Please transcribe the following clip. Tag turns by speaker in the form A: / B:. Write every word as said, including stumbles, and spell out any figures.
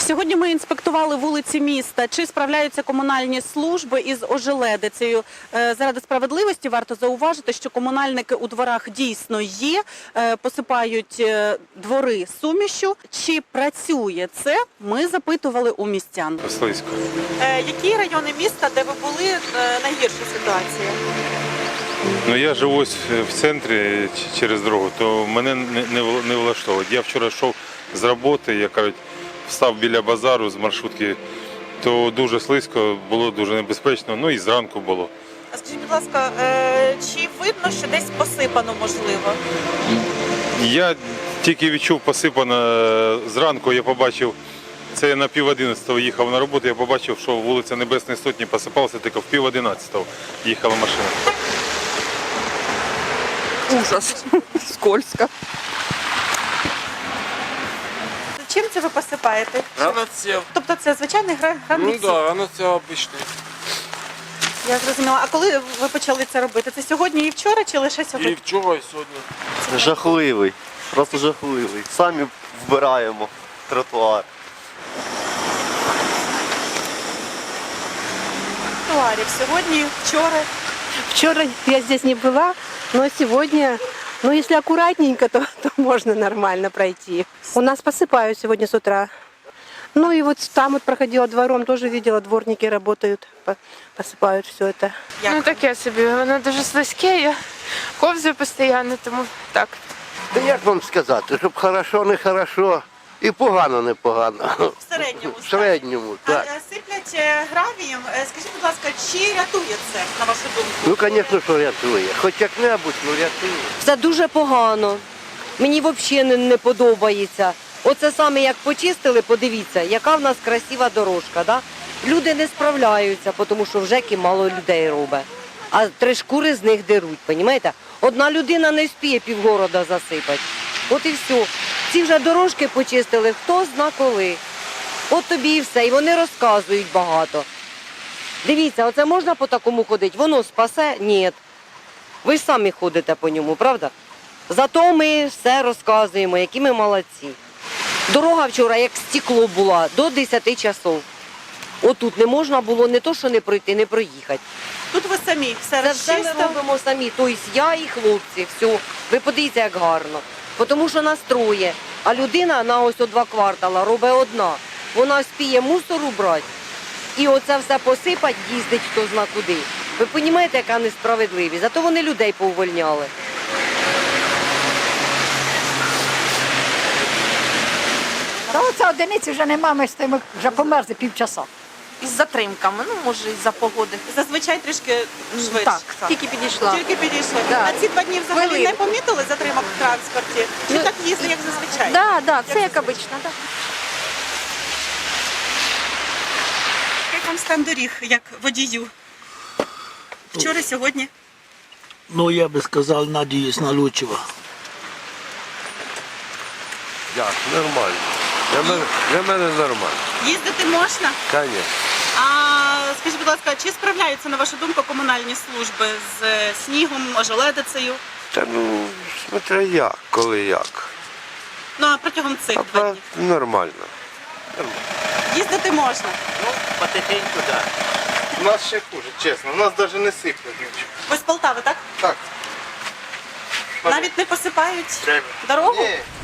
A: Сьогодні ми інспектували вулиці міста. Чи справляються комунальні служби із ожеледицею? Заради справедливості варто зауважити, що комунальники у дворах дійсно є, посипають двори сумішю. Чи працює це? Ми запитували у містян.
B: Слизько.
C: Які райони міста, де ви були, найгірша ситуація?
B: Ну, я живу ось в центрі через дорогу, то мене не, не, не влаштовує. Я вчора йшов з роботи, я кажуть, встав біля базару з маршрутки, то дуже слизько, було дуже небезпечно, ну і зранку було.
C: А скажіть, будь ласка, чи видно, що десь посипано, можливо?
B: Я тільки відчув посипано зранку, я побачив, це я на пів одинадцятого їхав на роботу, я побачив, що вулиця Небесної Сотні посипалася, тільки в пів одинадцятого їхала машина.
D: Ужас. Скользко.
C: Чим це ви посипаєте?
E: Раноцев.
C: Тобто це звичайний гра-
E: Ну
C: границя?
E: да, раноцев обычный.
C: Я зрозуміла. А коли ви почали це робити? Це сьогодні і вчора чи лише сьогодні?
E: И вчера, и сегодня.
F: Жахливий, просто жахливий. Самі вбираємо тротуар.
C: Тротуарів сьогодні, вчора.
G: Вчера я здесь не была, но сегодня, ну если аккуратненько, то, то можно нормально пройти. У нас посыпают сегодня с утра. Ну и вот там вот проходила двором, тоже видела, дворники работают, по- посыпают все это.
C: Як?
H: Ну таке собі, воно дуже слизьке, я ковзаю постійно, тому так.
I: Та як вам сказати, щоб хорошо, не хорошо і погано, не погано.
C: В середньому.
I: В середньому,
C: А,
I: так.
C: е, сиплять е, гравієм. Е, Скажіть, будь ласка, чи рятує це, на вашу думку?
I: Ну, звісно, що рятує. Хоч як-небудь, ну рятує.
J: Це дуже погано. Мені взагалі не, не подобається. Оце саме як почистили, подивіться, яка в нас красива дорожка. Да? Люди не справляються, тому що в ЖЕКі мало людей робить. А три шкури з них деруть, розумієте? Одна людина не вспіє півгорода засипати. От і все. Ці вже дорожки почистили, хто зна коли. От тобі і все. І вони розказують багато. Дивіться, оце можна по такому ходити? Воно спасе? Ні. Ви ж самі ходите по ньому, правда? Зато ми все розказуємо, які ми молодці. Дорога вчора як стекло була до десяти часов. Отут не можна було не то, що не пройти, не проїхати.
C: Тут ви самі все
J: Це все ми
C: розчистили.
J: робимо самі, тобто я і хлопці, все. Ви подивіться, як гарно. Тому що нас троє, а людина на ось о два квартала робить одна. Вона спіє мусор убрати і оце все посипать, їздить хто зна куди. Ви розумієте, яка несправедливість? Зато вони людей повольняли.
K: Та оце одиниці вже нема, ми стоїмо, вже померзли півчаса.
C: Із затримками, ну може із-за погоди. Зазвичай трішки швидше.
K: Так, тільки підійшла.
C: Тільки підійшли.
K: Да.
C: А ці два дні взагалі
K: Хвилинку.
C: не помітили затримок в транспорті? Чи
K: Ну,
C: так їздить, як зазвичай?
K: Так, так, це як обично. Так.
C: Як вам стан доріг, як водію? Вчора, сьогодні?
L: Ну, я бы сказал, надеюсь на лучшего.
I: Як, нормально. Для мене, для мене нормально.
C: Їздити можна?
I: Звісно.
C: А скажіть, будь ласка, чи справляються, на вашу думку, комунальні служби з е, снігом, ожеледицею?
I: Та ну, смотря як, коли як.
C: Ну, а протягом цих
I: А
C: два
I: па-
C: днів?
I: нормально.
C: Їздити можна?
E: Потихоньку, да.
F: У нас ще хуже, чесно, у нас навіть не сиплять нічого.
C: Ви з Полтави, так?
F: Так.
C: Навіть не посипають дорогу?
F: Ні,